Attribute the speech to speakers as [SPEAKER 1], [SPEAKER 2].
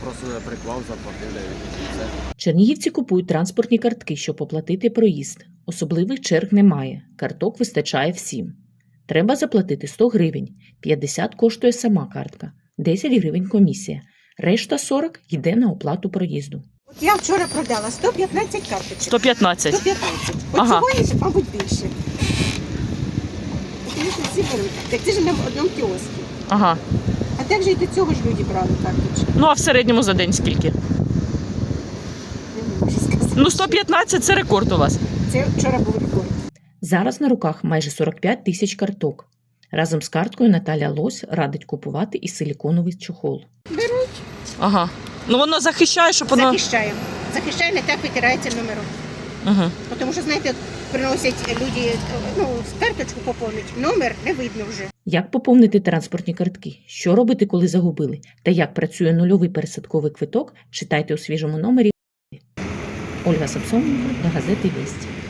[SPEAKER 1] просто приклав, заплатили і все.
[SPEAKER 2] Чернігівці купують транспортні картки, щоб оплатити проїзд. Особливих черг немає, карток вистачає всім. Треба заплатити 100 гривень, 50 коштує сама картка, 10 гривень комісія, решта 40 йде на оплату проїзду.
[SPEAKER 3] От я вчора продала 115 карточок.
[SPEAKER 4] 115.
[SPEAKER 3] 115. От
[SPEAKER 4] Ага.
[SPEAKER 3] сьогодні, мабуть, більше. Тому що всі беруть. Так це ж на одному кіоску.
[SPEAKER 4] Ага.
[SPEAKER 3] А так же і до цього ж люди брали карточки.
[SPEAKER 4] Ну а в середньому за день скільки?
[SPEAKER 3] Не можу сказати.
[SPEAKER 4] Ну 115 – це рекорд у вас.
[SPEAKER 3] Це вчора був рекорд.
[SPEAKER 2] Зараз на руках майже 45 тисяч карток. Разом з карткою Наталя Лось радить купувати і силіконовий чохол.
[SPEAKER 3] Беруть,
[SPEAKER 4] Ага. Ну воно захищає, щоб воно...
[SPEAKER 3] захищаємо. Захищає, не так витирається номером.
[SPEAKER 4] Угу.
[SPEAKER 3] Тому що, знаєте, приносять люди, карточку поповнить, номер не видно вже.
[SPEAKER 2] Як поповнити транспортні картки? Що робити, коли загубили? Та як працює нульовий пересадковий квиток, читайте у свіжому номері. Ольга Самсоненко для газети «Вість».